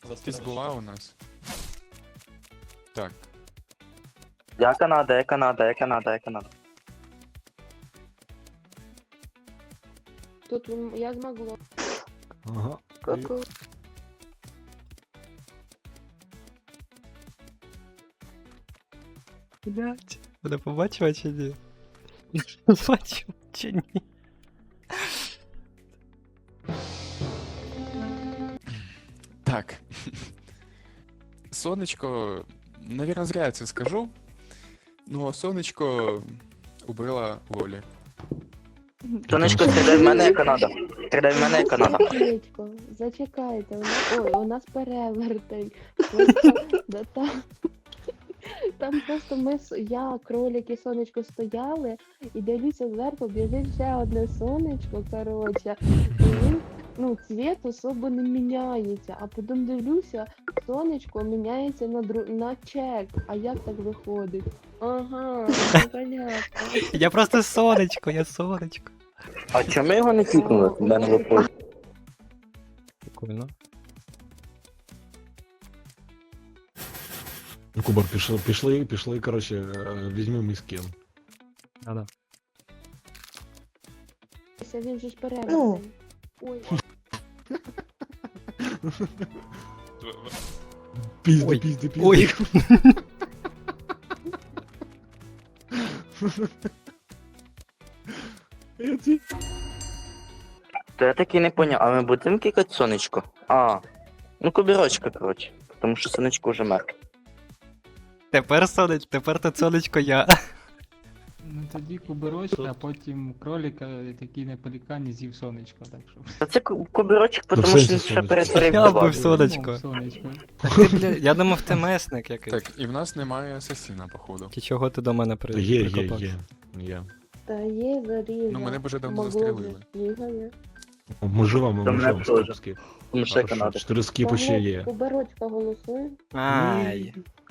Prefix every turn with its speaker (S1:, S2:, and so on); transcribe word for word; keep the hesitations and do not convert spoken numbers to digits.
S1: Якась була у нас. Так.
S2: Я Канада, я Канада, я Канада, я Канада.
S3: Тут м, я змогла.
S4: Ага.
S3: Ку-ку.
S5: Блять, мене побачила чи ні? Побачила чи ні?
S1: Так. Сонечко, наверное, зря я це скажу. Ну, сонечко убила Лолі.
S2: Сонечко, стріляй в мене, я Канада. Стріляй в мене, я Канада.
S3: Сонечко, зачекайте, у нас, ой, у нас перевертень. Просто, да, там, там просто ми, с- я, кролик і сонечко стояли, і дивлюся зверху, біжить ще одне сонечко, коротше, і він, ну, цвіт особо не міняється, а потім дивлюся, сонечко міняється на, дру... на чек, а як так виходить? Ага, ну, понятно.
S5: Я просто сонечко, я сонечко.
S2: А чому його не кікнули? В мене виходить.
S5: Прикольно.
S4: Ну, Кубар, пішли, пішли, пішли, коротше, е, візьми мій скін.
S5: Да-да.
S3: Він же ж перевертень. Ой.
S4: Пізди,
S5: Ой.
S4: пізди, пізди.
S5: Ой.
S4: Я ці-
S2: То я таки не поняв, а ми будемо кікати сонечко? А, ну кубірочка, коротше. Тому що сонечко вже мертве.
S5: Тепер сонечко, тепер то сонечко я.
S6: Ну тоді куберочка, а потім кролика, такий на пелікані з'їв сонечко, так що.
S2: Та це ку- кубірочок,
S4: Ну, в
S2: тому що
S4: сенсі
S2: він ще
S4: сонечко.
S2: перетворив
S5: Я
S2: в
S5: був
S2: лаву.
S5: сонечко.
S6: Ну, сонечко.
S5: Так ти, бля, я думав, ти месник якийсь.
S1: Так, і в нас немає асасіна, походу.
S5: Чи чого ти до мене при...
S4: Є, є,
S5: прикопався?
S4: є. Є.
S3: Та є заріза.
S1: Ну, мене б вже давно
S3: Могло
S1: застрелили.
S3: б, бігає.
S4: О, Ми живемо,
S2: Та
S4: ми
S2: мене
S4: живемо,
S2: теж.
S4: скіп, скіп.
S2: Тому що я
S4: Хорошо,
S2: Канада.
S4: Чотири скіпи ще є.
S3: Куберочка голосує.
S5: Ай.